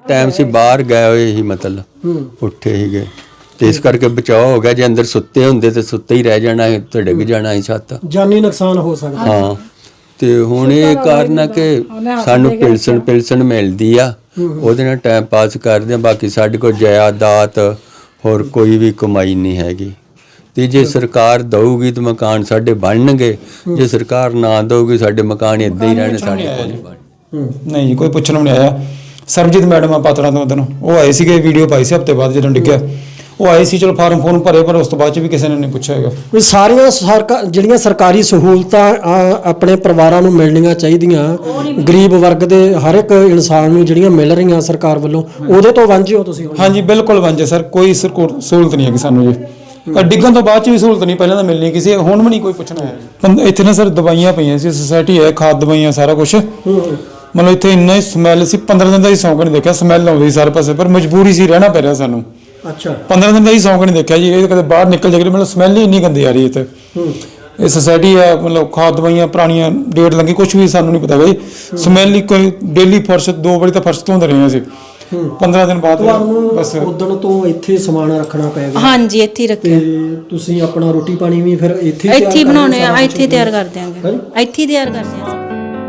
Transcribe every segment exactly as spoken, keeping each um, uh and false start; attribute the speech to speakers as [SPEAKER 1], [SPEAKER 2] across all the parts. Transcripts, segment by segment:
[SPEAKER 1] Time ਸੀ ਬਾਹਰ ਗਏ ਹੋਏ ਸੀ, ਮਤਲਬ ਉੱਠੇ ਸੀਗੇ ਤੇ ਇਸ ਕਰਕੇ ਬਚਾਅ ਹੋ ਗਿਆ। ਜੇ ਅੰਦਰ ਸੁੱਤੇ ਹੁੰਦੇ ਤੇ ਸੁੱਤੇ ਹੀ ਰਹਿ ਜਾਣਾ ਸੀ ਤੇ ਡਿੱਗ ਜਾਣਾ ਸੀ ਛੱਤ,
[SPEAKER 2] ਜਾਨੀ ਨੁਕਸਾਨ ਹੋ ਸਕਦਾ।
[SPEAKER 1] ਹਾਂ ਤੇ ਹੁਣ ਇਹ ਕਾਰਨ ਆ ਕਿ ਸਾਨੂੰ ਪਿਲਸਣ ਪਿਲਸਣ ਮਿਲਦੀ ਆ, ਉਹਦੇ ਨਾਲ ਟਾਈਮ ਪਾਸ ਕਰਦੇ ਆ। ਬਾਕੀ ਸਾਡੇ ਕੋਲ ਜਾਇਦਾਦ ਹੋਰ ਕੋਈ ਵੀ ਕਮਾਈ ਨਹੀਂ ਹੈਗੀ। ਤੇ ਜੇ ਸਰਕਾਰ ਦਊਗੀ ਤਾਂ ਮਕਾਨ ਸਾਡੇ ਬਣਨਗੇ, ਜੇ ਸਰਕਾਰ ਨਾ ਦਊਗੀ ਸਾਡੇ ਮਕਾਨ ਇੱਦਾਂ ਹੀ ਰਹਿਣੇ, ਸਾਡੇ ਕੋਲ ਨਹੀਂ ਬਣ।
[SPEAKER 3] ਨਹੀਂ ਜੀ, ਕੋਈ ਪੁੱਛਣ ਨੂੰ ਨਹੀਂ ਆਇਆ। ਸਰਬਜੀਤ ਮੈਡਮ ਆ ਪਾਤੜਾਂ ਤੋਂ ਉਦੋਂ ਉਹ ਆਏ ਸੀਗੇ, ਵੀਡੀਓ ਪਾਈ ਸੀ ਹਫ਼ਤੇ ਬਾਅਦ ਜਦੋਂ ਡਿੱਗਿਆ ਉਹ ਆਏ ਸੀ। ਚਲੋ ਫਾਰਮ ਫੋਰਮ ਭਰੇ, ਪਰ ਉਸ ਤੋਂ ਬਾਅਦ 'ਚ ਵੀ ਕਿਸੇ ਨੇ ਨਹੀਂ ਪੁੱਛਿਆ ਹੈਗਾ।
[SPEAKER 2] ਕੋਈ ਸਾਰੀਆਂ ਸਰਕਾ ਜਿਹੜੀਆਂ ਸਰਕਾਰੀ ਸਹੂਲਤਾਂ ਆ, ਆਪਣੇ ਪਰਿਵਾਰਾਂ ਨੂੰ ਮਿਲਣੀਆਂ ਚਾਹੀਦੀਆਂ, ਗਰੀਬ ਵਰਗ ਦੇ ਹਰ ਇੱਕ ਇਨਸਾਨ ਨੂੰ ਜਿਹੜੀਆਂ ਮਿਲ ਰਹੀਆਂ ਸਰਕਾਰ ਵੱਲੋਂ, ਉਹਦੇ ਤੋਂ ਵਾਂਝੇ ਹੋ ਤੁਸੀਂ?
[SPEAKER 3] ਹਾਂਜੀ ਬਿਲਕੁਲ ਵਾਂਝੇ ਸਰ, ਕੋਈ ਸਰਕੋ- ਸਹੂਲਤ ਨਹੀਂ ਹੈਗੀ ਸਾਨੂੰ ਜੀ। ਡਿੱਗਣ ਤੋਂ ਬਾਅਦ 'ਚ ਵੀ ਸਹੂਲਤ ਨਹੀਂ, ਪਹਿਲਾਂ ਤਾਂ ਮਿਲਣੀ ਕਿਸੇ, ਹੁਣ ਵੀ ਨਹੀਂ ਕੋਈ ਪੁੱਛਣਾ ਹੈ। ਇੱਥੇ ਨਾ ਸਰ ਦਵਾਈਆਂ ਪਈਆਂ ਸੀ, ਸੁਸਾਇਟੀ ਹੈ, ਖਾਦ ਦਵਾਈਆਂ ਸਾਰਾ ਕੁਛ। ਮਤਲਬ ਇੱਥੇ ਇੰਨਾ ਹੀ ਸਮੈਲ ਸੀ, ਪੰਦਰਾਂ ਦਿਨ ਦਾ ਹੀ ਸੌਂਕ ਨਹੀਂ ਦੇਖਿਆ, ਸਮੈਲ ਆਉਂਦੀ ਸਾਰੇ ਪਾਸੇ, ਪਰ ਮਜਬੂਰੀ ਸੀ, ਰਹਿਣਾ ਪੈ ਰਿਹਾ ਸਾਨੂੰ।
[SPEAKER 2] ਅੱਛਾ,
[SPEAKER 3] ਪੰਦਰਾਂ ਦਿਨ ਦਾ ਹੀ ਸੌਂਕ ਨਹੀਂ ਦੇਖਿਆ ਜੀ, ਇਹ ਕਦੇ ਬਾਹਰ ਨਿਕਲ ਜਾਏਗੀ, ਮਤਲਬ ਸਮੈਲ ਹੀ ਇੰਨੀ ਗੰਦੀ ਆ ਰਹੀ ਇੱਥੇ। ਇਹ ਸੁਸਾਇਟੀ ਹੈ, ਮਤਲਬ ਖਾਦ ਦਵਾਈਆਂ ਪੁਰਾਣੀਆਂ ਡੇਟ ਲੱਗੀ, ਕੁਛ ਵੀ ਸਾਨੂੰ ਨਹੀਂ ਪਤਾ ਬਈ। ਸਮੈਲ ਹੀ ਕੋਈ, ਡੇਲੀ ਫਰਸ਼ ਦੋ ਵਾਰੀ ਤਾਂ ਫਰਸ਼ ਧੋਂਦੇ ਰਹੇ ਅਸੀਂ। ਪੰਦਰਾਂ ਦਿਨ ਬਾਅਦ ਬਸ
[SPEAKER 2] ਉਦੋਂ ਤੋਂ ਇੱਥੇ ਸਮਾਨ ਰੱਖਣਾ ਪੈ ਗਿਆ?
[SPEAKER 4] ਹਾਂਜੀ ਇੱਥੇ ਹੀ ਰੱਖਿਆ।
[SPEAKER 2] ਤੇ ਤੁਸੀਂ ਆਪਣਾ ਰੋਟੀ ਪਾਣੀ ਵੀ ਫਿਰ ਇੱਥੇ
[SPEAKER 4] ਇੱਥੇ ਹੀ ਬਣਾਉਣੇ ਆ, ਇੱਥੇ ਹੀ ਤਿਆਰ ਕਰ ਦਿਆਂਗੇ, ਇੱਥੇ ਹੀ ਤਿਆਰ ਕਰਦੇ ਆ।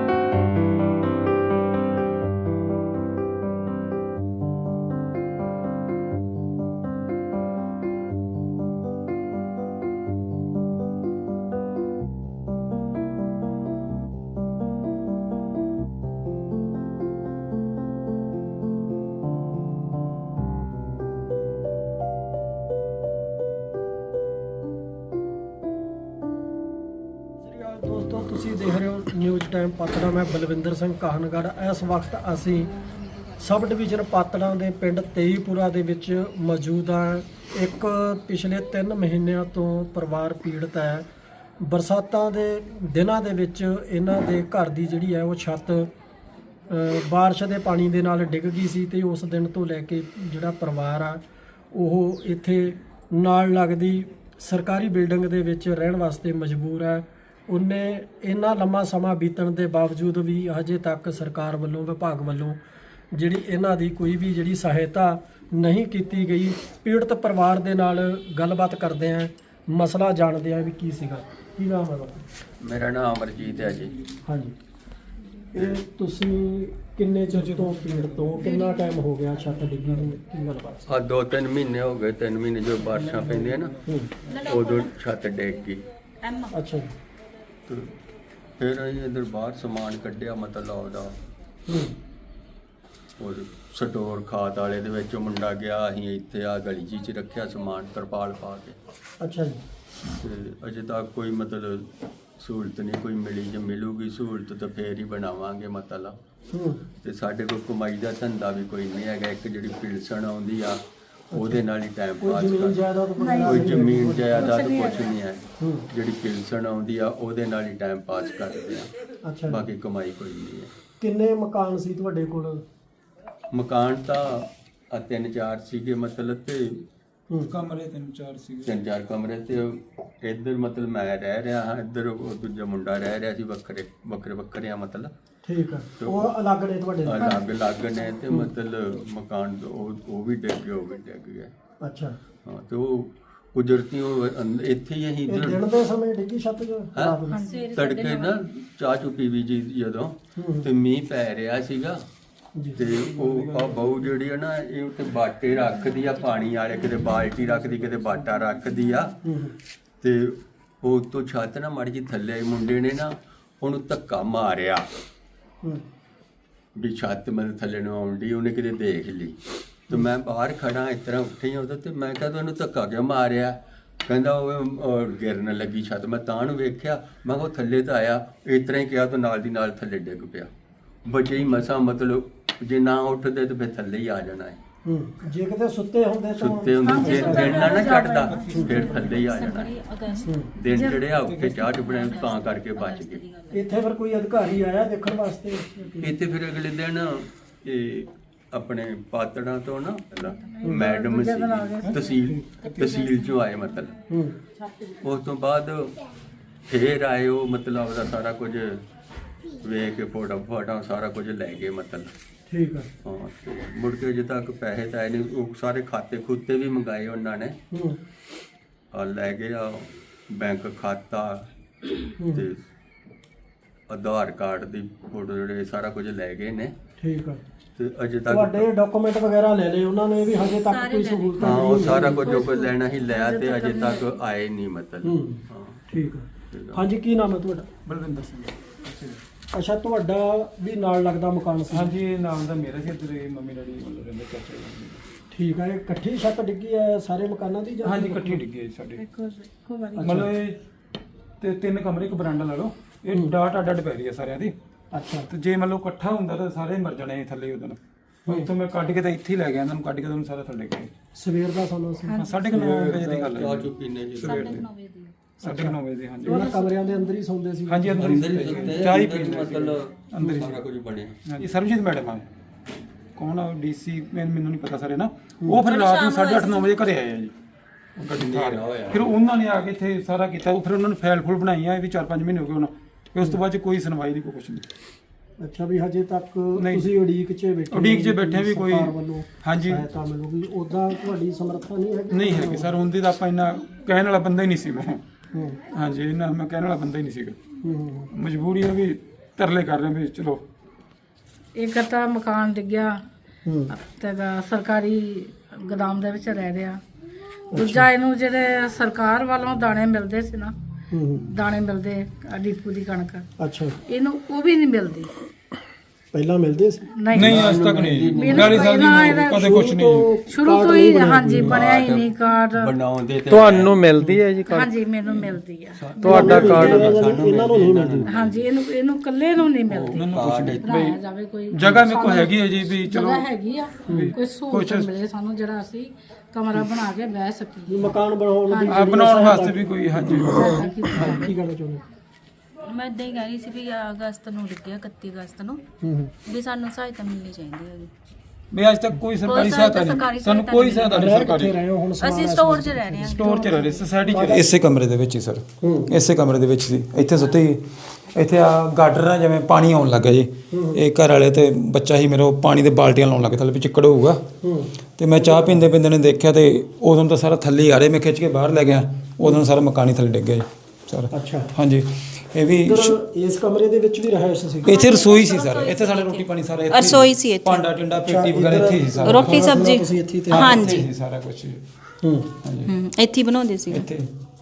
[SPEAKER 2] ਦੋਸਤੋ, ਤੁਸੀਂ ਦੇਖ ਰਹੇ ਹੋ ਨਿਊਜ਼ ਟਾਈਮ ਪਾਤੜਾ। ਮੈਂ ਬਲਵਿੰਦਰ ਸਿੰਘ ਕਾਹਨਗੜ੍ਹ। ਇਸ ਵਕਤ ਅਸੀਂ ਸਬ ਡਿਵੀਜ਼ਨ ਪਾਤੜਾਂ ਦੇ ਪਿੰਡ ਤੇਈਪੁਰਾ ਦੇ ਵਿੱਚ ਮੌਜੂਦ ਹਾਂ। ਇੱਕ ਪਿਛਲੇ ਤਿੰਨ ਮਹੀਨਿਆਂ ਤੋਂ ਪਰਿਵਾਰ ਪੀੜਤ ਹੈ। ਬਰਸਾਤਾਂ ਦੇ ਦਿਨਾਂ ਦੇ ਵਿੱਚ ਇਹਨਾਂ ਦੇ ਘਰ ਦੀ ਜਿਹੜੀ ਹੈ ਉਹ ਛੱਤ ਬਾਰਿਸ਼ ਦੇ ਪਾਣੀ ਦੇ ਨਾਲ ਡਿੱਗ ਗਈ ਸੀ ਤੇ ਉਸ ਦਿਨ ਤੋਂ ਲੈ ਕੇ ਜਿਹੜਾ ਪਰਿਵਾਰ ਆ ਉਹ ਇੱਥੇ ਨਾਲ ਲੱਗਦੀ ਸਰਕਾਰੀ ਬਿਲਡਿੰਗ ਦੇ ਵਿੱਚ ਰਹਿਣ ਵਾਸਤੇ ਮਜਬੂਰ ਹੈ। ਉਹਨੇ ਇੰਨਾ ਲੰਮਾ ਸਮਾਂ ਬੀਤਣ ਦੇ ਬਾਵਜੂਦ ਵੀ ਹਜੇ ਤੱਕ ਸਰਕਾਰ ਵੱਲੋਂ, ਵਿਭਾਗ ਵੱਲੋਂ ਜਿਹੜੀ ਇਹਨਾਂ ਦੀ ਕੋਈ ਵੀ ਜਿਹੜੀ ਸਹਾਇਤਾ ਨਹੀਂ ਕੀਤੀ ਗਈ। ਪੀੜਤ ਪਰਿਵਾਰ ਦੇ ਨਾਲ ਗੱਲਬਾਤ ਕਰਦੇ ਆਂ, ਮਸਲਾ ਜਾਣਦੇ ਆਂ ਵੀ ਕੀ ਸੀਗਾ। ਕੀ ਨਾਮ ਹੈ ਤੁਹਾਡਾ?
[SPEAKER 1] ਮੇਰਾ ਨਾਮ ਅਮਰਜੀਤ ਹੈ ਜੀ।
[SPEAKER 2] ਹਾਂਜੀ, ਇਹ ਤੁਸੀਂ ਕਿੰਨੇ ਚਿਰ ਤੋਂ ਪੀੜਤ ਤੋਂ, ਕਿੰਨਾ ਟਾਈਮ ਹੋ ਗਿਆ ਛੱਤ ਡਿੱਗੀ ਨੂੰ, ਕੀ ਗੱਲਬਾਤ?
[SPEAKER 1] ਆ ਦੋ ਤਿੰਨ ਮਹੀਨੇ ਹੋ ਗਏ, ਤਿੰਨ ਮਹੀਨੇ ਜੋ ਬਾਰਿਸ਼ਾਂ ਪੈਂਦੀਆਂ ਨਾ ਉਦੋਂ ਛੱਤ ਡਿੱਗ ਗਈ।
[SPEAKER 2] ਅੱਛਾ ਜੀ।
[SPEAKER 1] ਤੇ ਫਿਰ ਅਸੀਂ ਇੱਧਰ ਬਾਹਰ ਸਮਾਨ ਕੱਢਿਆ, ਮਤਲਬ ਉਹਦਾ ਉਹ ਸਟੋਰ ਖਾਦ ਵਾਲੇ ਦੇ ਵਿੱਚ ਮੁੰਡਾ ਗਿਆ, ਅਸੀਂ ਇੱਥੇ ਆ ਗਲੀ ਜੀ 'ਚ ਰੱਖਿਆ ਸਮਾਨ ਤਰਪਾਲ ਪਾ ਕੇ।
[SPEAKER 2] ਅੱਛਾ ਜੀ।
[SPEAKER 1] ਤੇ ਅਜੇ ਤੱਕ ਕੋਈ ਮਤਲਬ ਸਹੂਲਤ ਨਹੀਂ ਕੋਈ ਮਿਲੀ। ਜੇ ਮਿਲੂਗੀ ਸਹੂਲਤ ਤਾਂ ਫੇਰ ਹੀ ਬਣਾਵਾਂਗੇ ਮਤਲਬ। ਤੇ ਸਾਡੇ ਕੋਲ ਕਮਾਈ ਦਾ ਧੰਦਾ ਵੀ ਕੋਈ ਨਹੀਂ ਹੈਗਾ। ਇੱਕ ਜਿਹੜੀ ਪਿਲਸਣ ਆਉਂਦੀ ਆ ਉਹਦੇ ਨਾਲ ਹੀ ਟਾਈਮ ਪਾਸ ਕਰਦਾ। ਕੋਈ ਜ਼ਮੀਨ ਜਾਇਦਾਦ ਕੁਛ ਨਹੀਂ ਹੈ। ਜਿਹੜੀ ਪਿਲਸਣ ਆਉਂਦੀ ਆ ਉਹਦੇ ਨਾਲ ਹੀ ਟਾਈਮ ਪਾਸ ਕਰਦੇ ਆ।
[SPEAKER 2] ਅੱਛਾ,
[SPEAKER 1] ਬਾਕੀ ਕਮਾਈ ਕੋਈ ਨਹੀਂ ਹੈ।
[SPEAKER 2] ਕਿੰਨੇ ਮਕਾਨ ਸੀ ਤੁਹਾਡੇ ਕੋਲ?
[SPEAKER 1] ਮਕਾਨ ਤਾਂ ਆ ਤਿੰਨ ਚਾਰ ਸੀਗੇ ਮਤਲਬ, ਤੇ
[SPEAKER 3] ਕਮਰੇ ਤਿੰਨ ਚਾਰ ਸੀਗੇ,
[SPEAKER 1] ਤਿੰਨ ਚਾਰ ਕਮਰੇ। ਤੇ ਇੱਧਰ ਮਤਲਬ ਮੈਂ ਰਹਿ ਰਿਹਾ ਹਾਂ, ਇੱਧਰ ਉਹ ਦੂਜਾ ਮੁੰਡਾ ਰਹਿ ਰਿਹਾ ਸੀ। ਵੱਖਰੇ ਵੱਖਰੇ ਵੱਖਰੇ ਆ ਮਤਲਬ। ਠੀਕ ਆ, ਉਹ ਅਲੱਗ ਨੇ ਤੁਹਾਡੇ? ਅਲੱਗ ਅਲੱਗ ਨੇ। ਤੇ ਮਤਲਬ ਮਕਾਨ ਉਹ ਉਹ ਵੀ ਡਿੱਗ ਗਿਆ, ਉਹ ਵੀ ਡਿੱਗ ਗਿਆ।
[SPEAKER 2] ਅੱਛਾ,
[SPEAKER 1] ਹਾਂ। ਤੇ ਉਹ ਕੁਦਰਤੀ ਉਹ ਇੱਥੇ ਹੀ ਅਸੀਂ
[SPEAKER 2] ਇਹ ਦਿਨ ਦੇ ਸਮੇਂ ਡਿੱਗੀ ਛੱਤ?
[SPEAKER 1] ਤੜਕੇ ਨਾ ਚਾਹ ਚੁ ਪੀਵੀ ਜੀ ਜਦੋਂ, ਤੇ ਮੀਂਹ ਪੈ ਰਿਹਾ ਸੀਗਾ। ਤੇ ਉਹ ਆ ਬਹੂ ਜਿਹੜੀ ਆ ਨਾ, ਇਹ ਉੱਤੇ ਬਾਟੇ ਰੱਖਦੀ ਆ ਪਾਣੀ ਵਾਲੇ, ਕਿਤੇ ਬਾਲਟੀ ਰੱਖਦੀ, ਕਿਤੇ ਬਾਟਾ ਰੱਖਦੀ ਆ। ਤੇ ਉਹ ਤੋਂ ਛੱਤ ਨਾ ਮਾੜੀ ਜੀ ਥੱਲੇ, ਮੁੰਡੇ ਨੇ ਨਾ ਉਹਨੂੰ ਧੱਕਾ ਮਾਰਿਆ ਵੀ ਛੱਤ ਮਤਲਬ ਥੱਲੇ ਨੂੰ ਆਉਣ ਡਈ। ਉਹਨੇ ਕਿਤੇ ਦੇਖ ਲਈ ਤੇ ਮੈਂ ਬਾਹਰ ਖੜਾ ਇਸ ਤਰ੍ਹਾਂ ਉੱਠੀ ਉਹਦੇ ਤੇ ਮੈਂ ਕਿਹਾ ਤੂੰ ਇਹਨੂੰ ਧੱਕਾ ਕਿਉਂ ਮਾਰਿਆ? ਕਹਿੰਦਾ ਉਹ ਗਿਰਨ ਲੱਗੀ ਛੱਤ। ਮੈਂ ਤਾਂ ਨੂੰ ਵੇਖਿਆ, ਮੈਂ ਕਿਹਾ ਥੱਲੇ ਤਾਂ ਆਇਆ। ਇਸ ਤਰ੍ਹਾਂ ਹੀ ਕਿਹਾ ਤਾਂ ਨਾਲ ਦੀ ਨਾਲ ਥੱਲੇ ਡਿੱਗ ਪਿਆ। ਬਚੇ ਹੀ ਮਸਾਂ, ਮਤਲਬ ਜੇ ਨਾ ਉੱਠਦੇ ਤਾਂ ਫਿਰ ਥੱਲੇ ਹੀ ਆ ਜਾਣਾ ਹੈ।
[SPEAKER 2] ਜੇ ਕਿਤੇ ਸੁੱਤੇ ਹੁੰਦੇ ਤਾਂ
[SPEAKER 1] ਸੁੱਤੇ ਹੁੰਦੇ ਜੇ ਦਿਨ ਨਾ ਨਾ ਚੜਦਾ ਫਿਰ ਥੱਲੇ ਹੀ ਆ ਜਾਣਾ। ਦਿਨ ਚੜਿਆ ਉੱਥੇ ਚਾਹ ਚੁਪੜੇ ਤਾਂ ਕਰਕੇ ਬਚ ਗਏ।
[SPEAKER 2] ਇੱਥੇ ਫਿਰ ਕੋਈ ਅਧਿਕਾਰੀ ਆਇਆ ਦੇਖਣ ਵਾਸਤੇ?
[SPEAKER 1] ਇੱਥੇ ਫਿਰ ਅਗਲੇ ਦਿਨ ਇਹ ਆਪਣੇ ਪਾਤੜਾਂ ਤੋਂ ਨਾ ਮੈਡਮ ਸੀ, ਤਹਿਸੀਲ ਤਹਿਸੀਲ ਚੋਂ ਆਏ ਮਤਲਬ। ਉਸ ਤੋਂ ਬਾਅਦ ਫੇਰ ਆਏ ਉਹ, ਮਤਲਬ ਉਹਦਾ ਸਾਰਾ ਕੁਝ ਵੇਖ ਕੇ ਫੋਟੋ ਫੋਟੋ ਸਾਰਾ ਕੁਝ ਲੈ ਗਏ ਮਤਲਬ।
[SPEAKER 2] ਠੀਕ ਆ।
[SPEAKER 1] ਹਾਂ ਤੇ ਮੁੜ ਕੇ ਅਜੇ ਤੱਕ ਪੈਸੇ ਤਾਂ ਆਏ ਨਹੀਂ। ਉਹ ਸਾਰੇ ਖਾਤੇ ਖੁੱਤੇ ਵੀ ਮੰਗਾਏ ਉਹਨਾਂ ਨੇ,
[SPEAKER 2] ਹੂੰ
[SPEAKER 1] ਆ ਲੈ ਗਏ ਆ ਬੈਂਕ ਖਾਤਾ ਤੇ ਆਧਾਰ ਕਾਰਡ ਦੀ ਫੋਟੋ ਜਿਹੜੇ ਸਾਰਾ ਕੁਝ ਲੈ ਗਏ ਨੇ
[SPEAKER 2] ਠੀਕ ਆ।
[SPEAKER 1] ਤੇ ਅਜੇ ਤੱਕ
[SPEAKER 2] ਤੁਹਾਡੇ ਡਾਕੂਮੈਂਟ ਵਗੈਰਾ ਲੈ ਲਏ ਉਹਨਾਂ ਨੇ ਵੀ ਹਜੇ ਤੱਕ ਕੋਈ ਸਹੂਲਤ
[SPEAKER 1] ਹਾਂ ਉਹ ਸਾਰਾ ਕੁਝ ਜੋ ਕੋਈ ਲੈਣਾ ਹੀ ਲਿਆ ਤੇ ਅਜੇ ਤੱਕ ਆਏ ਨਹੀਂ ਮਤਲਬ।
[SPEAKER 2] ਹੂੰ
[SPEAKER 1] ਹਾਂ
[SPEAKER 2] ਠੀਕ ਆ। ਹਾਂਜੀ ਕੀ ਨਾਮ ਹੈ ਤੁਹਾਡਾ?
[SPEAKER 3] ਬਲਵਿੰਦਰ ਸਿੰਘ।
[SPEAKER 2] ਅੱਛਾ ਤੁਹਾਡਾ ਵੀ ਨਾਲ ਲੱਗਦਾ ਮਕਾਨ ਸੀ?
[SPEAKER 3] ਹਾਂਜੀ ਇਹ ਨਾਮ ਦਾ ਮੇਰਾ ਸੀ, ਇੱਧਰ ਮੰਮੀ ਡੈਡੀ ਮਤਲਬ ਰਹਿੰਦੇ ਚਾਚਾ ਜੀ।
[SPEAKER 2] ਠੀਕ ਆ। ਇਹ ਇਕੱਠੀ ਛੱਤ ਡਿੱਗੀ ਹੈ ਸਾਰੇ ਮਕਾਨਾਂ ਦੀ ਜਾਂ?
[SPEAKER 3] ਹਾਂਜੀ ਇਕੱਠੀ ਡਿੱਗੀ ਹੈ ਸਾਡੇ, ਮਤਲਬ ਇਹ ਤੇ ਤਿੰਨ ਕਮਰੇ ਇੱਕ ਬਰਾਂਡਾ ਲਾ ਲਓ, ਇਹ ਡਾਟ ਅੱਡ ਅੱਡ ਪੈ ਰਹੀ ਹੈ ਸਾਰਿਆਂ ਦੀ।
[SPEAKER 2] ਅੱਛਾ
[SPEAKER 3] ਤੇ ਜੇ ਮੰਨ ਲਓ ਇਕੱਠਾ ਹੁੰਦਾ ਤਾਂ ਸਾਰੇ ਮਰ ਜਾਣੇ ਥੱਲੇ ਉਦੋਂ। ਇੱਥੋਂ ਮੈਂ ਕੱਢ ਕੇ ਤਾਂ ਇੱਥੇ ਹੀ ਲੈ ਗਿਆ ਇਹਨਾਂ ਨੂੰ, ਕੱਢ ਕੇ ਤੁਹਾਨੂੰ ਸਾਰਾ ਥੱਲੇ ਗਏ।
[SPEAKER 2] ਸਵੇਰ ਦਾ ਸਮਾਂ ਸੀ?
[SPEAKER 3] ਸਾਢੇ ਕੁ ਨੌ ਵਜੇ ਦੀ ਗੱਲ
[SPEAKER 1] ਚਾਹ
[SPEAKER 3] ਹੈ,
[SPEAKER 1] ਚੁ ਪੀਨੇ ਜੀ
[SPEAKER 3] ਸਵੇਰ ਦੇ ਸਾਢੇ ਕੁ ਨੌ ਵਜੇ ਦੀ। ਹਾਂਜੀ
[SPEAKER 2] ਉਹਨਾਂ ਕਮਰਿਆਂ ਦੇ ਅੰਦਰ ਹੀ ਸੌਂਦੇ ਸੀ?
[SPEAKER 3] ਹਾਂਜੀ ਅੰਦਰ
[SPEAKER 1] ਅੰਦਰ ਹੀ
[SPEAKER 3] ਹੀ
[SPEAKER 1] ਸੁੱਤੇ
[SPEAKER 3] ਚਾਹ ਹੀ
[SPEAKER 1] ਅੰਦਰ ਹੀ
[SPEAKER 3] ਪੀਂਦੇ ਸੀ।
[SPEAKER 1] ਮਤਲਬ
[SPEAKER 3] ਅੰਦਰ ਹੀ
[SPEAKER 1] ਸਾਰਾ ਕੁਝ ਬਣਿਆ।
[SPEAKER 3] ਹਾਂਜੀ ਸਰਬਜੀਤ ਮੈਡਮ ਆ, ਕੌਣ ਆ ਡੀਸੀ ਮੈਨੂੰ ਨਹੀਂ ਪਤਾ ਸਾਰੇ ਨਾ। ਉਹ ਫਿਰ ਰਾਤ ਨੂੰ ਸਾਢੇ ਅੱਠ ਨੌ ਵਜੇ ਘਰੇ ਆਏ ਆ ਜੀ, ਉਹ ਗੱਡੀ ਥਾਰ। ਫਿਰ ਉਹਨਾਂ ਨੇ ਆ ਕੇ ਇੱਥੇ ਸਾਰਾ ਕੀਤਾ। ਉਹ ਫਿਰ ਉਹਨਾਂ ਨੇ ਫਾਈਲ ਫੁਲ ਬਣਾਈਆਂ, ਇਹ ਵੀ ਚਾਰ ਪੰਜ ਮਹੀਨੇ ਹੋ ਗਏ ਹੁਣ। ਫਿਰ ਉਸ ਤੋਂ ਬਾਅਦ 'ਚ ਕੋਈ ਸੁਣਵਾਈ ਨਹੀਂ, ਕੋਈ ਕੁਛ ਨਹੀਂ।
[SPEAKER 2] ਅੱਛਾ ਵੀ ਹਜੇ ਤੱਕ
[SPEAKER 3] ਨਹੀਂ।
[SPEAKER 2] ਤੁਸੀਂ ਉਡੀਕ 'ਚ ਬੈਠੇ?
[SPEAKER 3] ਉਡੀਕ 'ਚ ਬੈਠੇ ਵੀ ਕੋਈ
[SPEAKER 2] ਸਰਕਾਰ ਵੱਲੋਂ
[SPEAKER 3] ਹਾਂਜੀ
[SPEAKER 2] ਸਹਾਇਤਾ ਮਿਲੂਗੀ, ਉਦਾਂ ਤੁਹਾਡੀ ਸਮਰੱਥਾ ਨਹੀਂ ਹੈਗੀ?
[SPEAKER 3] ਨਹੀਂ ਹੈਗੀ ਸਰ, ਹੁੰਦੀ ਤਾਂ ਆਪਾਂ ਇੰਨਾ ਕਹਿਣ ਵਾਲਾ ਬੰਦਾ ਹੀ ਨਹੀਂ ਸੀ ਮੈਂ।
[SPEAKER 2] ਹੂੰ
[SPEAKER 3] ਹਾਂਜੀ ਇਹਨਾਂ ਮੈਂ ਕਹਿਣ ਵਾਲਾ ਬੰਦਾ ਹੀ ਨਹੀਂ ਸੀਗਾ।
[SPEAKER 2] ਹੂੰ
[SPEAKER 3] ਮਜਬੂਰੀ ਹੈ ਵੀ ਤਰਲੇ ਕਰ ਰਹੇ ਵੀ ਚਲੋ।
[SPEAKER 5] ਇੱਕ ਤਾਂ ਮਕਾਨ ਡਿੱਗਿਆ
[SPEAKER 2] ਹੂੰ
[SPEAKER 5] ਤੇ ਗਾ- ਸਰਕਾਰੀ ਗੋਦਾਮ ਦੇ ਵਿੱਚ ਰਹਿ ਰਿਹਾ। ਦੂਜਾ ਇਹਨੂੰ ਜਿਹੜੇ ਸਰਕਾਰ ਵੱਲੋਂ ਦਾਣੇ ਮਿਲਦੇ ਸੀ ਨਾ,
[SPEAKER 2] ਹੂੰ
[SPEAKER 5] ਦਾਣੇ ਮਿਲਦੇ ਆ ਡੀਪੂ ਦੀ ਕਣਕ,
[SPEAKER 2] ਅੱਛਾ
[SPEAKER 5] ਇਹਨੂੰ ਉਹ ਵੀ ਨਹੀਂ ਮਿਲਦੀ।
[SPEAKER 2] ਪਹਿਲਾਂ ਮਿਲਦੇ ਸੀ?
[SPEAKER 3] ਨਹੀਂ ਅੱਜ ਤੱਕ ਨਹੀਂ,
[SPEAKER 5] ਮੈਨੂੰ
[SPEAKER 3] ਬਿਆਲੀ ਸਾਲ ਦੀ
[SPEAKER 5] ਪਹਿਲਾਂ
[SPEAKER 3] ਉਮਰ
[SPEAKER 5] ਇਹਦਾ
[SPEAKER 3] ਕਦੇ ਕੁਛ ਨਹੀਂ।
[SPEAKER 5] ਸ਼ੁਰੂ ਤੋਂ ਹੀ ਹਾਂਜੀ ਬਣਿਆ ਹੀ ਨਹੀਂ ਕਾਰਡ।
[SPEAKER 1] ਬਣਾਉਂਦੇ ਤੇ
[SPEAKER 6] ਤੁਹਾਨੂੰ ਮਿਲਦੀ ਹੈ ਜੀ ਕਾਰਡ?
[SPEAKER 5] ਹਾਂਜੀ ਮੈਨੂੰ ਮਿਲਦੀ ਆ।
[SPEAKER 6] ਤੁਹਾਡਾ ਕਾਰਡ?
[SPEAKER 2] ਇਹਨਾਂ ਨੂੰ ਨਹੀਂ ਮਿਲਦੀ?
[SPEAKER 5] ਹਾਂਜੀ ਇਹਨੂੰ ਇਹਨੂੰ ਇਕੱਲੇ ਨੂੰ ਨਹੀਂ ਮਿਲਦੀ।
[SPEAKER 1] ਕਾਰਡ ਇੱਥੇ
[SPEAKER 5] ਬਣਾਇਆ ਜਾਵੇ ਕੋਈ
[SPEAKER 3] ਜਗ੍ਹਾ ਮੇਰੇ ਕੋਲ ਹੈਗੀ ਹੈ ਜੀ ਵੀ ਚਲੋ।
[SPEAKER 5] ਜਗ੍ਹਾ ਹੈਗੀ ਆ, ਕੋਈ ਸਹੂਲਤ ਮਿਲੇ ਸਾਨੂੰ ਜਿਹੜਾ ਅਸੀਂ ਕਮਰਾ ਬਣਾ ਕੇ ਬਹਿ ਸਕੀਏ।
[SPEAKER 2] ਵੀ ਮਕਾਨ ਬਣਾਉਣ ਦੀ
[SPEAKER 3] ਆ ਬਣਾਉਣ ਵਾਸਤੇ ਵੀ ਕੋਈ ਹਾਂਜੀ
[SPEAKER 2] ਕੀ ਕਹਿਣਾ ਚਾਹੁੰਦੇ?
[SPEAKER 4] ਮੈਂ ਇਦਾਂ ਹੀ ਕਹਿ ਰਹੀ ਸੀ ਵੀ ਅਗਸਤ ਨੂੰ ਡਿੱਗਿਆ, ਇਕੱਤੀ ਅਗਸਤ ਨੂੰ,
[SPEAKER 2] ਹੂੰ ਹੂੰ
[SPEAKER 4] ਵੀ ਸਾਨੂੰ ਸਹਾਇਤਾ ਮਿਲਣੀ ਚਾਹੀਦੀ ਹੈ ਜੀ।
[SPEAKER 3] ਵੀ ਅੱਜ ਤੱਕ ਕੋਈ ਸਰਕਾਰੀ ਸਹਾਇਤਾ ਨਹੀਂ, ਸਾਨੂੰ ਕੋਈ ਸਹਾਇਤਾ ਨਹੀਂ
[SPEAKER 2] ਕਿੱਥੇ
[SPEAKER 3] ਸਰਕਾਰੀ।
[SPEAKER 2] ਰਹੇ ਹੋ ਹੁਣ?
[SPEAKER 4] ਅਸੀਂ ਸਟੋਰ 'ਚ ਰਹਿ ਰਹੇ ਹਾਂ।
[SPEAKER 3] ਸਟੋਰ 'ਚ ਰਹਿ ਰਹੇ ਸੋਸਾਇਟੀ 'ਚ।
[SPEAKER 7] ਇਸੇ ਕਮਰੇ ਦੇ ਵਿੱਚ ਹੀ ਸਰ,
[SPEAKER 2] ਹੂੰ
[SPEAKER 7] ਇਸੇ ਕਮਰੇ ਦੇ ਵਿੱਚ ਸੀ। ਇੱਥੇ ਸੁੱਤੇ ਸੀ। ਇੱਥੇ ਆ ਗਾਡਰ ਨਾਲ ਜਿਵੇਂ ਪਾਣੀ ਆਉਣ ਲੱਗਾ ਜੀ, ਇਹ ਘਰ ਵਾਲੇ ਤੇ ਬੱਚਾ ਹੀ ਮੇਰੇ ਉਹ ਪਾਣੀ ਦੇ ਬਾਲਟੀਆਂ ਲਾਉਣ ਲੱਗੇ, ਥੱਲੇ ਵੀ ਚਿੱਕੜ ਹੋਊਗਾ।
[SPEAKER 2] ਹੂੰ
[SPEAKER 7] ਤੇ ਮੈਂ ਚਾਹ ਪੀਂਦੇ ਪੀਂਦੇ ਨੇ ਦੇਖਿਆ ਤੇ ਉਦੋਂ ਤਾਂ ਸਾਰਾ ਥੱਲੇ ਹੀ ਆ ਰਿਹਾ। ਮੈਂ ਖਿੱਚ ਕੇ ਬਾਹਰ ਲੈ ਗਿਆ, ਉਦੋਂ ਸਾਰਾ ਮਕਾਨ ਹੀ ਥੱਲੇ ਡਿੱਗ ਗਿਆ ਜੀ ਸਾਰਾ।
[SPEAKER 2] ਅੱਛਾ
[SPEAKER 7] ਹਾਂਜੀ ਇਹ ਵੀ
[SPEAKER 2] ਇੱਧਰ ਇਸ ਕਮਰੇ ਦੇ ਵਿੱਚ ਵੀ ਰਹਿائش ਸੀ?
[SPEAKER 7] ਇੱਥੇ ਰਸੋਈ ਸੀ ਸਰ, ਇੱਥੇ ਸਾਡੇ ਰੋਟੀ ਪਾਣੀ ਸਾਰਾ ਇੱਥੇ
[SPEAKER 4] ਰਸੋਈ ਸੀ ਇੱਥੇ।
[SPEAKER 7] ਭਾਂਡਾ ਟਿੰਡਾ ਪੇਟੀ ਵਗੈਰਾ ਇੱਥੇ ਹੀ ਸਾਰਾ।
[SPEAKER 4] ਰੋਟੀ ਸਬਜ਼ੀ
[SPEAKER 2] ਤੁਸੀਂ ਇੱਥੇ ਤੇ
[SPEAKER 4] ਹਾਂਜੀ
[SPEAKER 7] ਇੱਥੇ ਹੀ ਸਾਰਾ ਕੁਝ
[SPEAKER 2] ਹੂੰ
[SPEAKER 4] ਹੂੰ, ਇੱਥੇ ਹੀ ਬਣਾਉਂਦੇ ਸੀ।
[SPEAKER 7] ਇੱਥੇ।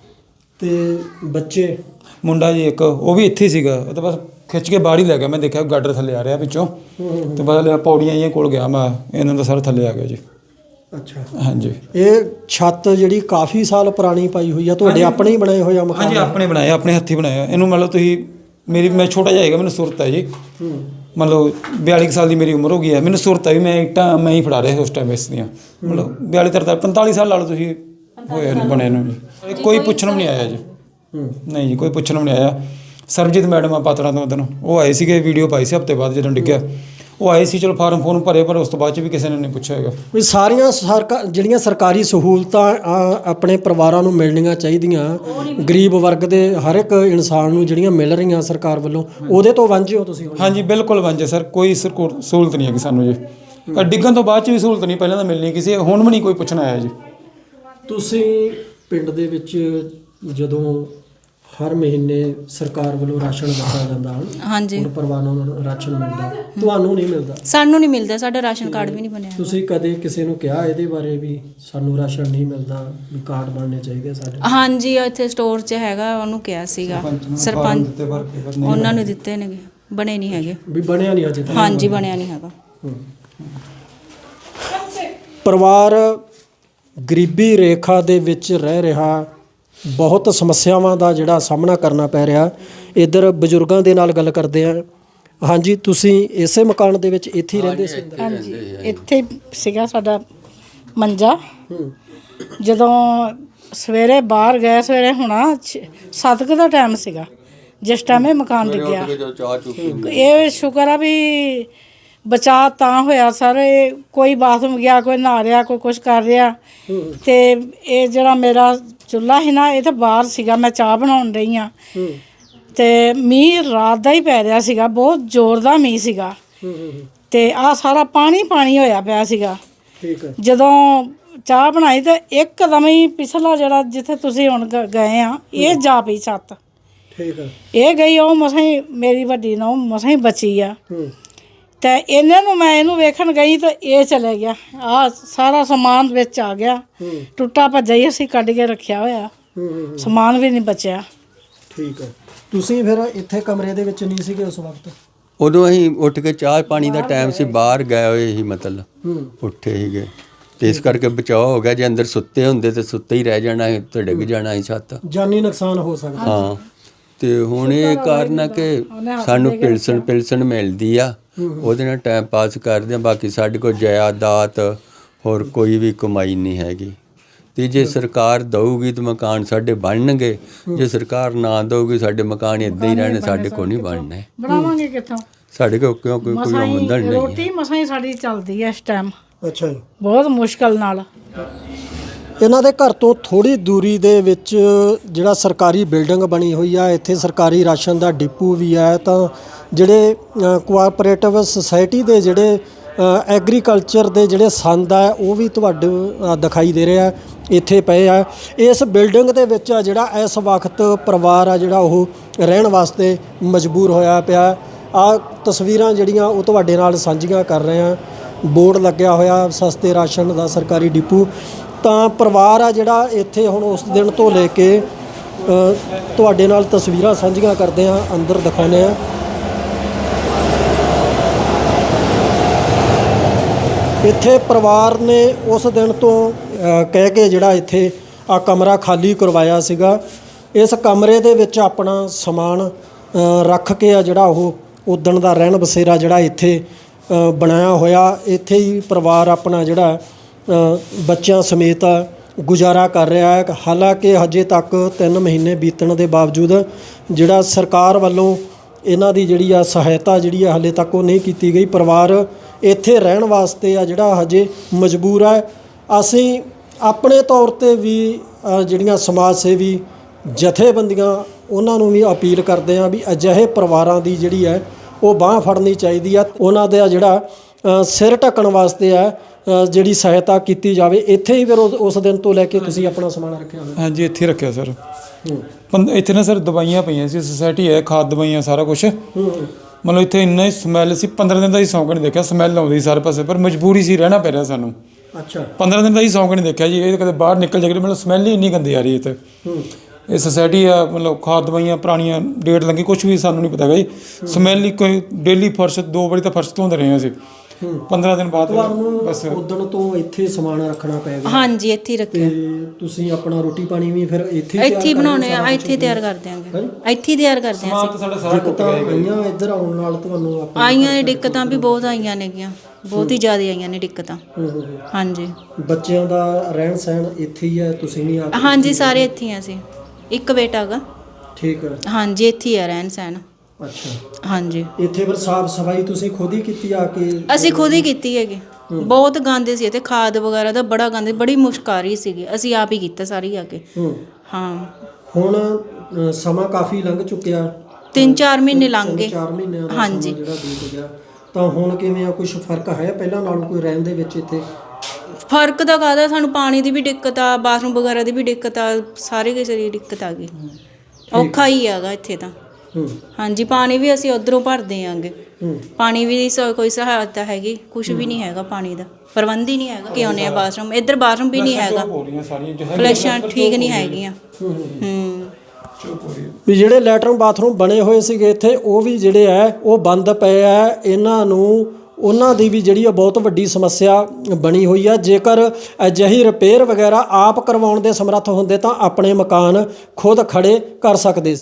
[SPEAKER 2] ਤੇ ਬੱਚੇ?
[SPEAKER 7] ਮੁੰਡਾ ਜੀ ਇੱਕ ਉਹ ਵੀ ਇੱਥੇ ਹੀ ਸੀਗਾ, ਉਹ ਤਾਂ ਬਸ ਖਿੱਚ ਕੇ ਬਾਹਰ ਹੀ ਲੈ ਗਿਆ। ਮੈਂ ਦੇਖਿਆ ਗਾਡਰ ਥੱਲੇ ਆ ਰਿਹਾ ਵਿੱਚੋਂ, ਤੇ ਬਸ ਲਿਆ ਪੌੜੀਆਂ ਜਿਹੀਆਂ ਕੋਲ ਗਿਆ ਮੈਂ, ਇਹਨਾਂ ਦਾ ਸਾਰਾ ਥੱਲੇ ਆ ਗਿਆ ਜੀ।
[SPEAKER 2] ਅੱਛਾ
[SPEAKER 7] ਹਾਂਜੀ
[SPEAKER 2] ਇਹ ਛੱਤ ਜਿਹੜੀ ਕਾਫੀ ਸਾਲ ਪੁਰਾਣੀ ਪਾਈ ਹੋਈ ਆ, ਤੁਹਾਡੇ ਆਪਣੇ ਹੀ ਬਣਾਏ ਹੋਏ ਆ ਮਕਾਨ?
[SPEAKER 7] ਹਾਂਜੀ ਆਪਣੇ ਬਣਾਏ, ਆਪਣੇ ਹੱਥੀਂ ਬਣਾਇਆ ਇਹਨੂੰ। ਮਤਲਬ ਤੁਸੀਂ ਮੇਰੀ ਮੈਂ ਛੋਟਾ ਜਿਹਾ ਹੈਗਾ, ਮੈਨੂੰ ਸੁਰਤ ਹੈ ਜੀ।
[SPEAKER 2] ਹੂੰ
[SPEAKER 7] ਮਤਲਬ ਬਿਆਲੀ ਕੁ ਸਾਲ ਦੀ ਮੇਰੀ ਉਮਰ ਹੋ ਗਈ ਹੈ, ਮੈਨੂੰ ਸੁਰਤ ਹੈ ਵੀ ਮੈਂ ਇੱਟਾਂ ਮੈਂ ਹੀ ਫੜਾ ਰਿਹਾ ਸੀ ਉਸ ਟਾਈਮ ਇਸ ਦੀਆਂ। ਮਤਲਬ ਬਿਆਲੀ ਤਰਤਾਲੀ ਪੰਤਾਲੀ ਸਾਲ ਲਾ ਲਓ ਤੁਸੀਂ ਹੋਏ ਨੂੰ ਬਣੇ ਨੂੰ ਜੀ। ਕੋਈ ਪੁੱਛਣ ਵੀ ਨਹੀਂ ਆਇਆ ਜੀ।
[SPEAKER 2] ਹੂੰ
[SPEAKER 7] ਨਹੀਂ ਜੀ ਕੋਈ ਪੁੱਛਣ ਵੀ ਨਹੀਂ ਆਇਆ। ਸਰਬਜੀਤ ਮੈਡਮ ਆ ਪਾਤੜਾ ਤੋਂ ਉਦੋਂ ਉਹ ਆਏ ਸੀਗੇ, ਵੀਡੀਓ ਪਾਈ ਸੀ ਹਫ਼ਤੇ ਬਾਅਦ ਜਦੋਂ ਡਿੱਗਿਆ। ਉਹ ਆਏ ਸੀ, ਚਲੋ ਫਾਰਮ ਫੋਰਮ ਭਰੇ, ਪਰ ਉਸ ਤੋਂ ਬਾਅਦ 'ਚ ਵੀ ਕਿਸੇ ਨੇ ਨਹੀਂ ਪੁੱਛਿਆ ਹੈਗਾ।
[SPEAKER 2] ਵੀ ਸਾਰੀਆਂ ਸਰਕਾ ਜਿਹੜੀਆਂ ਸਰਕਾਰੀ ਸਹੂਲਤਾਂ ਆ, ਆਪਣੇ ਪਰਿਵਾਰਾਂ ਨੂੰ ਮਿਲਣੀਆਂ ਚਾਹੀਦੀਆਂ, ਗਰੀਬ ਵਰਗ ਦੇ ਹਰ ਇੱਕ ਇਨਸਾਨ ਨੂੰ ਜਿਹੜੀਆਂ ਮਿਲ ਰਹੀਆਂ ਸਰਕਾਰ ਵੱਲੋਂ, ਉਹਦੇ ਤੋਂ ਵਾਂਝੇ ਹੋ ਤੁਸੀਂ ਹੁਣ?
[SPEAKER 7] ਹਾਂਜੀ ਬਿਲਕੁਲ ਵਾਂਝੇ ਸਰ, ਕੋਈ ਸਰਕੋ- ਸਹੂਲਤ ਨਹੀਂ ਹੈਗੀ ਸਾਨੂੰ ਜੀ। ਆਹ ਡਿੱਗਣ ਤੋਂ ਬਾਅਦ 'ਚ ਵੀ ਸਹੂਲਤ ਨਹੀਂ, ਪਹਿਲਾਂ ਤਾਂ ਮਿਲਣੀ ਕਿਸੇ, ਹੁਣ ਵੀ ਨਹੀਂ ਕੋਈ ਪੁੱਛਣ ਆਇਆ ਜੀ।
[SPEAKER 2] ਤੁਸੀਂ ਪਿੰਡ ਦੇ ਵਿੱਚ ਜਦੋਂ ਹਰ ਮਹੀਨੇ ਸਰਕਾਰ ਵੱਲੋਂ ਰਾਸ਼ਨ ਦਿੱਤਾ ਜਾਂਦਾ ਹਨ,
[SPEAKER 4] ਹਾਂਜੀ
[SPEAKER 2] ਹੁਣ ਪਰਿਵਾਰਾਂ ਨੂੰ ਰਾਸ਼ਨ ਮਿਲਦਾ, ਤੁਹਾਨੂੰ ਨਹੀਂ ਮਿਲਦਾ?
[SPEAKER 4] ਸਾਨੂੰ ਨਹੀਂ ਮਿਲਦਾ, ਸਾਡਾ ਰਾਸ਼ਨ ਕਾਰਡ ਵੀ ਨਹੀਂ ਬਣਿਆ।
[SPEAKER 2] ਤੁਸੀਂ ਕਦੇ ਕਿਸੇ ਨੂੰ ਕਿਹਾ ਇਹਦੇ ਬਾਰੇ ਵੀ ਸਾਨੂੰ ਰਾਸ਼ਨ ਨਹੀਂ ਮਿਲਦਾ, ਵੀ ਕਾਰਡ ਬਣਨੇ ਚਾਹੀਦੇ ਸਾਡੇ?
[SPEAKER 4] ਹਾਂਜੀ ਇੱਥੇ ਸਟੋਰ 'ਚ ਹੈਗਾ, ਉਹਨੂੰ ਕਿਹਾ ਸੀਗਾ ਸਰਪੰਚ,
[SPEAKER 7] ਦਿੱਤੇ ਭਰ ਕੇ ਪਰ ਨਹੀਂ
[SPEAKER 4] ਉਹਨਾਂ ਨੂੰ ਦਿੱਤੇ ਨੇਗੇ, ਬਣੇ ਨਹੀਂ ਹੈਗੇ।
[SPEAKER 2] ਵੀ ਬਣਿਆ ਨਹੀਂ ਅਜੇ ਤੱਕ?
[SPEAKER 4] ਹਾਂਜੀ ਬਣਿਆ ਨਹੀਂ ਹੈਗਾ।
[SPEAKER 2] ਪਰਿਵਾਰ ਗਰੀਬੀ ਰੇਖਾ ਦੇ ਵਿੱਚ ਰਹਿ ਰਿਹਾ, ਬਹੁਤ ਸਮੱਸਿਆਵਾਂ ਦਾ ਜਿਹੜਾ ਸਾਹਮਣਾ ਕਰਨਾ ਪੈ ਰਿਹਾ। ਇੱਧਰ ਬਜ਼ੁਰਗਾਂ ਦੇ ਨਾਲ ਗੱਲ ਕਰਦੇ ਆ। ਹਾਂਜੀ ਤੁਸੀਂ ਇਸੇ ਮਕਾਨ ਦੇ ਵਿੱਚ ਇੱਥੇ ਹੀ ਰਹਿੰਦੇ ਸੀ?
[SPEAKER 5] ਹਾਂਜੀ ਇੱਥੇ ਸੀਗਾ ਸਾਡਾ ਮੰਜਾ।
[SPEAKER 2] ਹੂੰ
[SPEAKER 5] ਜਦੋਂ ਸਵੇਰੇ ਬਾਹਰ ਗਏ, ਸਵੇਰੇ ਹੋਣਾ ਸੱਤ ਕੁ ਦਾ ਟਾਈਮ ਸੀਗਾ ਜਿਸ ਟਾਈਮ ਇਹ ਮਕਾਨ ਡਿੱਗਿਆ।
[SPEAKER 1] ਜੋ ਚਾਹ ਚੁ ਪੀਨੇ
[SPEAKER 5] ਇਹ ਸ਼ੁਕਰ ਆ ਵੀ ਬਚਾਅ ਤਾਂ ਹੋਇਆ ਸਰ। ਇਹ ਕੋਈ ਬਾਥਰੂਮ ਗਿਆ, ਕੋਈ ਨਹਾ ਰਿਹਾ, ਕੋਈ ਕੁਝ ਕਰ ਰਿਹਾ। ਤੇ ਇਹ ਜਿਹੜਾ ਮੇਰਾ ਚੁੱਲ੍ਹਾ ਸੀ ਨਾ, ਇਹ ਤਾਂ ਬਾਹਰ ਸੀਗਾ, ਮੈਂ ਚਾਹ ਬਣਾਉਣ ਰਹੀ ਹਾਂ। ਤੇ ਮੀਂਹ ਰਾਤ ਦਾ ਹੀ ਪੈ ਰਿਹਾ ਸੀਗਾ, ਬਹੁਤ ਜ਼ੋਰ ਦਾ ਮੀਂਹ ਸੀਗਾ। ਤੇ ਆ ਸਾਰਾ ਪਾਣੀ ਪਾਣੀ ਹੋਇਆ ਪਿਆ ਸੀਗਾ।
[SPEAKER 2] ਠੀਕ ਹੈ।
[SPEAKER 5] ਜਦੋਂ ਚਾਹ ਬਣਾਈ ਤੇ ਇੱਕਦਮ ਹੀ ਪਿਛਲਾ ਜਿਹੜਾ ਜਿੱਥੇ ਤੁਸੀਂ ਹੁਣ ਗ- ਗਏ ਆ ਇਹ ਜਾ ਪਈ ਛੱਤ।
[SPEAKER 2] ਠੀਕ ਹੈ।
[SPEAKER 5] ਇਹ ਗਈ ਉਹ ਮਸਾਂ ਹੀ ਮੇਰੀ ਵੱਡੀ ਨੂੰ ਮਸਾਂ ਹੀ ਬਚੀ ਆ।
[SPEAKER 2] ਹੂੰ
[SPEAKER 5] ਤੇ ਇਹਨਾਂ ਨੂੰ ਮੈਂ ਇਹਨੂੰ ਵੇਖਣ ਗਈ ਤੇ ਇਹ ਚਲੇ ਗਿਆ। ਆ ਸਾਰਾ ਸਮਾਨ ਵਿੱਚ ਆ ਗਿਆ,
[SPEAKER 2] ਹੂੰ
[SPEAKER 5] ਟੁੱਟਾ ਭੱਜਾ ਹੀ ਅਸੀਂ ਕੱਢ ਕੇ ਰੱਖਿਆ ਹੋਇਆ,
[SPEAKER 2] ਹੂੰ ਹੂੰ,
[SPEAKER 5] ਸਮਾਨ ਵੀ ਨਹੀਂ ਬਚਿਆ।
[SPEAKER 2] ਠੀਕ ਹੈ। ਤੁਸੀਂ ਫਿਰ ਇੱਥੇ ਕਮਰੇ ਦੇ ਵਿੱਚ ਨਹੀਂ ਸੀਗੇ ਉਸ ਵਕਤ?
[SPEAKER 1] ਉਦੋਂ ਅਸੀਂ ਉੱਠ ਕੇ ਚਾਹ ਪਾਣੀ ਦਾ ਟਾਈਮ ਸੀ, ਬਾਹਰ ਗਏ ਹੋਏ ਸੀ, ਮਤਲਬ
[SPEAKER 2] ਹੂੰ
[SPEAKER 1] ਉੱਠੇ ਸੀਗੇ ਤੇ ਇਸ ਕਰਕੇ ਬਚਾਅ ਹੋ ਗਿਆ। ਜੇ ਅੰਦਰ ਸੁੱਤੇ ਹੁੰਦੇ ਤੇ ਸੁੱਤੇ ਹੀ ਰਹਿ ਜਾਣਾ ਸੀ ਤੇ ਡਿੱਗ ਜਾਣਾ ਸੀ ਛੱਤ।
[SPEAKER 2] ਜਾਨੀ ਨੁਕਸਾਨ ਹੋ ਸਕਦਾ।
[SPEAKER 1] ਹਾਂ ਤੇ ਹੁਣ ਇਹ ਕਾਰਨ ਆ ਕਿ ਸਾਨੂੰ ਪਿਲਸਣ ਪਿਲਸਣ ਮਿਲਦੀ ਆ, ਉਹਦੇ ਨਾਲ ਟਾਈਮ ਪਾਸ ਕਰਦੇ ਆ। ਬਾਕੀ ਸਾਡੇ ਕੋਲ ਜਾਇਦਾਦ ਹੋਰ ਕੋਈ ਵੀ ਕਮਾਈ ਨਹੀਂ ਹੈਗੀ। ਤੇ ਜੇ ਸਰਕਾਰ ਦਊਗੀ ਤਾਂ ਮਕਾਨ ਸਾਡੇ ਬਣਨਗੇ, ਜੇ ਸਰਕਾਰ ਨਾ ਦਊਗੀ ਸਾਡੇ ਮਕਾਨ ਇੱਦਾਂ ਹੀ ਰਹਿਣੇ, ਸਾਡੇ ਕੋਲ ਨਹੀਂ ਬਣਨੇ।
[SPEAKER 5] ਬਣਾਵਾਂਗੇ ਕਿੱਥੋਂ?
[SPEAKER 1] ਸਾਡੇ ਕੋਲ ਕਿਉਂ ਕੋਈ ਕੋਈ
[SPEAKER 5] ਮਸਾਂ ਹੀ
[SPEAKER 1] ਆਮਦਨ ਨਹੀਂ ਹੈ।
[SPEAKER 5] ਰੋਟੀ ਮਸਾਂ ਹੀ ਸਾਡੀ ਚੱਲਦੀ ਹੈ ਇਸ ਟਾਈਮ,
[SPEAKER 2] ਅੱਛਾ ਜੀ।
[SPEAKER 5] ਬਹੁਤ ਮੁਸ਼ਕਲ ਨਾਲ।
[SPEAKER 2] ਇਹਨਾਂ ਦੇ ਘਰ ਤੋਂ ਥੋੜੀ ਦੂਰੀ ਦੇ ਵਿੱਚ ਜਿਹੜਾ ਸਰਕਾਰੀ ਬਿਲਡਿੰਗ ਬਣੀ ਹੋਈ ਆ, ਇੱਥੇ ਸਰਕਾਰੀ ਰਾਸ਼ਨ ਦਾ ਡਿਪੂ ਵੀ ਹੈ। ਤਾਂ ਜਿਹੜੇ ਕੋਆਪਰੇਟਿਵ ਸੁਸਾਇਟੀ ਦੇ ਜਿਹੜੇ ਐਗਰੀਕਲਚਰ ਦੇ ਜਿਹੜੇ ਸੰਦ ਆ ਉਹ ਵੀ ਤੁਹਾਡੇ ਅ, ਦਿਖਾਈ ਦੇ ਰਿਹਾ ਇੱਥੇ ਪਏ ਆ। ਇਸ ਬਿਲਡਿੰਗ ਦੇ ਵਿੱਚ ਆ ਜਿਹੜਾ ਇਸ ਵਕਤ ਪਰਿਵਾਰ ਆ ਜਿਹੜਾ ਉਹ ਰਹਿਣ ਵਾਸਤੇ ਮਜਬੂਰ ਹੋਇਆ ਪਿਆ। ਆ ਤਸਵੀਰਾਂ ਜਿਹੜੀਆਂ ਉਹ ਤੁਹਾਡੇ ਨਾਲ ਸਾਂਝੀਆਂ ਕਰ ਰਹੇ ਆ। ਬੋਰਡ ਲੱਗਿਆ ਹੋਇਆ ਸਸਤੇ ਰਾਸ਼ਨ ਦਾ ਸਰਕਾਰੀ ਡਿਪੂ। ਤਾਂ ਪਰਿਵਾਰ ਆ ਜਿਹੜਾ ਇੱਥੇ ਹੁਣ ਉਸ ਦਿਨ ਤੋਂ ਲੈ ਕੇ ਅ, ਤੁਹਾਡੇ ਨਾਲ ਤਸਵੀਰਾਂ ਸਾਂਝੀਆਂ ਕਰਦੇ ਆ, ਅੰਦਰ ਦਿਖਾਉਂਦੇ ਆ। ਇੱਥੇ ਪਰਿਵਾਰ ਨੇ ਉਸ ਦਿਨ ਤੋਂ ਅ, ਕਹਿ ਕੇ ਜਿਹੜਾ ਇੱਥੇ ਆ ਕਮਰਾ ਖਾਲੀ ਕਰਵਾਇਆ ਸੀਗਾ। ਇਸ ਕਮਰੇ ਦੇ ਵਿੱਚ ਆਪਣਾ ਸਮਾਨ ਅ, ਰੱਖ ਕੇ ਆ ਜਿਹੜਾ ਉਹ ਉਦਣ ਦਾ ਰਹਿਣ ਬਸੇਰਾ ਜਿਹੜਾ ਇੱਥੇ ਅ, ਬਣਾਇਆ ਹੋਇਆ। ਇੱਥੇ ਹੀ ਪਰਿਵਾਰ ਆਪਣਾ ਜਿਹੜਾ ਅ, ਬੱਚਿਆਂ ਸਮੇਤ ਗੁਜ਼ਾਰਾ ਕਰ ਰਿਹਾ ਹੈ। ਹਾਲਾਂਕਿ ਹਜੇ ਤੱਕ ਤਿੰਨ ਮਹੀਨੇ ਬੀਤਣ ਦੇ ਬਾਵਜੂਦ ਜਿਹੜਾ ਸਰਕਾਰ ਵੱਲੋਂ ਇਹਨਾਂ ਦੀ ਜਿਹੜੀ ਆ ਸਹਾਇਤਾ ਜਿਹੜੀ ਆ ਹਾਲੇ ਤੱਕ ਉਹ ਨਹੀਂ ਕੀਤੀ ਗਈ। ਪਰਿਵਾਰ ਇੱਥੇ ਰਹਿਣ ਵਾਸਤੇ ਆ ਜਿਹੜਾ ਹਜੇ ਮਜਬੂਰ ਹੈ। ਅਸੀਂ ਆਪਣੇ ਤੌਰ ਤੇ ਵੀ ਅ, ਜਿਹੜੀਆਂ ਸਮਾਜ ਸੇਵੀ ਜਥੇਬੰਦੀਆਂ ਉਹਨਾਂ ਨੂੰ ਵੀ ਅਪੀਲ ਕਰਦੇ ਹਾਂ ਵੀ ਅਜਿਹੇ ਪਰਿਵਾਰਾਂ ਦੀ ਜਿਹੜੀ ਹੈ ਉਹ ਬਾਂਹ ਫੜਨੀ ਚਾਹੀਦੀ ਆ। ਉਹਨਾਂ ਦਾ ਜਿਹੜਾ ਅ, ਸਿਰ ਢੱਕਣ ਵਾਸਤੇ ਆ ਅ, ਜਿਹੜੀ ਸਹਾਇਤਾ ਕੀਤੀ ਜਾਵੇ। ਇੱਥੇ ਹੀ ਫਿਰ ਉਸ ਉਸ ਦਿਨ ਤੋਂ ਲੈ ਕੇ ਤੁਸੀਂ ਆਪਣਾ ਸਮਾਨ ਰੱਖਿਆ ਹੋਇਆ?
[SPEAKER 3] ਹਾਂਜੀ ਇੱਥੇ ਰੱਖਿਆ ਸਰ।
[SPEAKER 2] ਹੂੰ
[SPEAKER 3] ਪੰ- ਇੱਥੇ ਨਾ ਸਰ ਦਵਾਈਆਂ ਪਈਆਂ ਸੀ, ਸੁਸਾਇਟੀ ਹੈ, ਖਾਦ ਦਵਾਈਆਂ ਸਾਰਾ ਕੁਝ।
[SPEAKER 2] ਹੂੰ
[SPEAKER 3] ਮਤਲਬ ਇੱਥੇ ਇੰਨਾ ਹੀ ਸਮੈਲ ਸੀ, ਪੰਦਰਾਂ ਦਿਨ ਦਾ ਹੀ ਸੌਂਕ ਨਹੀਂ ਦੇਖਿਆ, ਸਮੈਲ ਆਉਂਦੀ ਸਾਰੇ ਪਾਸੇ, ਪਰ ਮਜਬੂਰੀ ਸੀ, ਰਹਿਣਾ ਪੈ ਰਿਹਾ ਸਾਨੂੰ।
[SPEAKER 2] ਅੱਛਾ।
[SPEAKER 3] ਪੰਦਰਾਂ ਦਿਨ ਦਾ ਹੀ ਸੌਂਕ ਨਹੀਂ ਦੇਖਿਆ ਜੀ। ਇਹ ਕਦੇ ਬਾਹਰ ਨਿਕਲ ਜਾਗੇ, ਮਤਲਬ ਸਮੈਲ ਹੀ ਇੰਨੀ ਗੰਦੀ ਆ ਰਹੀ ਹੈ ਇੱਥੇ।
[SPEAKER 2] ਹੂੰ
[SPEAKER 3] ਇਹ ਸੁਸਾਇਟੀ ਆ, ਮਤਲਬ ਖਾਦ ਦਵਾਈਆਂ ਪੁਰਾਣੀਆਂ ਡੇਟ ਲੱਗੀ, ਕੁਝ ਵੀ ਸਾਨੂੰ ਨਹੀਂ ਪਤਾ ਹੈਗਾ ਜੀ। ਸਮੈਲ ਹੀ ਕੋਈ ਡੇਲੀ ਫਰਸ਼ ਦੋ ਵਾਰੀ ਤਾਂ ਫਰਸ਼ ਧੋਂਦੇ ਰਹੇ ਅਸੀਂ। ਪੰਦਰਾਂ ਦਿਨ ਬਾਅਦ ਬਸ
[SPEAKER 2] ਤੁਹਾਨੂੰ ਉਦਣ ਤੋਂ ਇੱਥੇ ਸਮਾਨ ਰੱਖਣਾ ਪੈ ਗਿਆ?
[SPEAKER 4] ਹਾਂਜੀ ਇੱਥੇ ਹੀ ਰੱਖਿਆ।
[SPEAKER 2] ਤੇ ਤੁਸੀਂ ਆਪਣਾ ਰੋਟੀ ਪਾਣੀ ਵੀ ਫਿਰ ਇੱਥੇ
[SPEAKER 4] ਇੱਥੇ ਹੀ ਬਣਾਉਣੇ ਆ, ਇੱਥੇ ਹੀ ਤਿਆਰ ਕਰ ਦਿਆਂਗੇ, ਇੱਥੇ ਹੀ ਤਿਆਰ ਕਰਦੇ ਹਾਂ
[SPEAKER 3] ਸਮਾਨ ਤਾਂ ਸਾਡਾ ਸਾਰਾ ਟੁੱਟ
[SPEAKER 2] ਤਾਂ
[SPEAKER 3] ਗਿਆ ਜੀ।
[SPEAKER 2] ਆਈਆਂ ਇੱਧਰ ਆਉਣ ਨਾਲ ਤੁਹਾਨੂੰ ਆਪਾਂ
[SPEAKER 4] ਆਈਆਂ ਨੇ ਦਿੱਕਤਾਂ ਵੀ ਬਹੁਤ ਆਈਆਂ ਨੇਗੀਆਂ, ਬਹੁਤ ਹੀ ਜ਼ਿਆਦਾ ਆਈਆਂ ਨੇ ਦਿੱਕਤਾਂ।
[SPEAKER 2] ਹੂੰ, ਹੂੰ, ਹੂੰ।
[SPEAKER 4] ਹਾਂਜੀ
[SPEAKER 2] ਬੱਚਿਆਂ ਦਾ ਰਹਿਣ ਸਹਿਣ ਇੱਥੇ ਹੀ ਹੈ, ਤੁਸੀਂ ਨਹੀਂ ਆ?
[SPEAKER 4] ਹਾਂਜੀ ਸਾਰੇ ਇੱਥੇ ਹੀ ਆ ਅਸੀਂ, ਇੱਕ ਬੇਟਾ ਹੈਗਾ।
[SPEAKER 2] ਠੀਕ ਹੈ।
[SPEAKER 4] ਹਾਂਜੀ ਇੱਥੇ ਹੀ ਆ ਰਹਿਣ ਸਹਿਣ।
[SPEAKER 2] ਅੱਛਾ।
[SPEAKER 4] ਹਾਂਜੀ
[SPEAKER 2] ਇੱਥੇ ਫਿਰ ਸਾਫ ਸਫਾਈ ਤੁਸੀਂ ਖੁਦ ਹੀ ਕੀਤੀ ਆ ਕੇ?
[SPEAKER 4] ਅਸੀਂ ਖੁਦ ਹੀ ਕੀਤੀ ਹੈਗੀ। ਬਹੁਤ ਗੰਦੇ ਸੀ ਇੱਥੇ, ਖਾਦ ਵਗੈਰਾ ਦਾ ਬੜਾ ਗੰਦ, ਬੜੀ ਮੁਸ਼ਕ ਆ ਰਹੀ ਸੀਗੀ, ਅਸੀਂ ਆਪ ਹੀ ਕੀਤਾ ਸਾਰੀ ਆ ਕੇ।
[SPEAKER 2] ਹੂੰ।
[SPEAKER 4] ਹਾਂ
[SPEAKER 2] ਹੁਣ ਅ, ਸਮਾਂ ਕਾਫੀ ਲੰਘ ਚੁੱਕਿਆ,
[SPEAKER 4] ਤਿੰਨ ਚਾਰ ਮਹੀਨੇ ਲੰਘ ਗਏ।
[SPEAKER 2] ਚਾਰ ਮਹੀਨਿਆਂ ਦਾ
[SPEAKER 4] ਹਾਂਜੀ।
[SPEAKER 2] ਸਮਾਂ ਜਿਹੜਾ ਬੀਤ ਗਿਆ। ਤਾਂ ਹੁਣ ਕਿਵੇਂ ਆ, ਕੁਝ ਫਰਕ ਹੈ ਪਹਿਲਾਂ ਨਾਲੋਂ ਕੋਈ ਰਹਿਣ ਦੇ ਵਿੱਚ ਇੱਥੇ?
[SPEAKER 4] ਫਰਕ ਤਾਂ ਕਾਹਦਾ, ਸਾਨੂੰ ਪਾਣੀ ਦੀ ਵੀ ਦਿੱਕਤ ਆ, ਬਾਥਰੂਮ ਵਗੈਰਾ ਦੀ ਵੀ ਦਿੱਕਤ ਆ, ਸਾਰੇ ਕਿਸੇ ਦੀ ਦਿੱਕਤ ਆ ਗਈ। ਔਖਾ ਹੀ ਹੈਗਾ ਇੱਥੇ ਤਾਂ।
[SPEAKER 2] ਹੂੰ
[SPEAKER 4] ਹਾਂਜੀ ਪਾਣੀ ਵੀ ਅਸੀਂ ਉਧਰੋਂ ਭਰਦੇ ਆਂਗੇ,
[SPEAKER 2] ਹੂੰ
[SPEAKER 4] ਪਾਣੀ ਵੀ ਸ- ਕੋਈ ਸਹਾਇਤਾ ਹੈਗੀ ਕੁਝ ਵੀ ਨਹੀਂ ਹੈਗਾ, ਪਾਣੀ ਦਾ ਪ੍ਰਬੰਧ ਹੀ ਨਹੀਂ ਹੈਗਾ ਕਿ ਆਉਂਦੇ ਆ ਬਾਥਰੂਮ, ਇੱਧਰ ਬਾਥਰੂਮ ਵੀ ਨਹੀਂ ਹੈਗਾ,
[SPEAKER 3] ਹੋ ਰਹੀਆਂ ਸਾਰੀਆਂ ਜੋ ਹੈ
[SPEAKER 4] ਫਲੈਸ਼ਾਂ ਠੀਕ ਨਹੀਂ ਹੈਗੀਆਂ।
[SPEAKER 2] ਹੂੰ
[SPEAKER 4] ਹੂੰ
[SPEAKER 2] ਵੀ ਜਿਹੜੇ ਲੈਟਰਨ ਬਾਥਰੂਮ ਬਣੇ ਹੋਏ ਸੀਗੇ ਇੱਥੇ ਉਹ ਵੀ ਜਿਹੜੇ ਆ ਉਹ ਬੰਦ ਪਏ ਆ। ਇਹਨਾਂ ਨੂੰ ਉਹਨਾਂ ਦੀ ਵੀ ਜਿਹੜੀ ਆ ਬਹੁਤ ਵੱਡੀ ਸਮੱਸਿਆ ਬਣੀ ਹੋਈ ਆ। ਜੇਕਰ ਅਜਿਹੀ ਰਿਪੇਅਰ ਵਗੈਰਾ ਆਪ ਕਰਵਾਉਣ ਦੇ ਸਮਰੱਥ ਹੁੰਦੇ ਤਾਂ ਆਪਣੇ ਮਕਾਨ ਖੁਦ ਖੜੇ ਕਰ ਸਕਦੇ ਸੀ।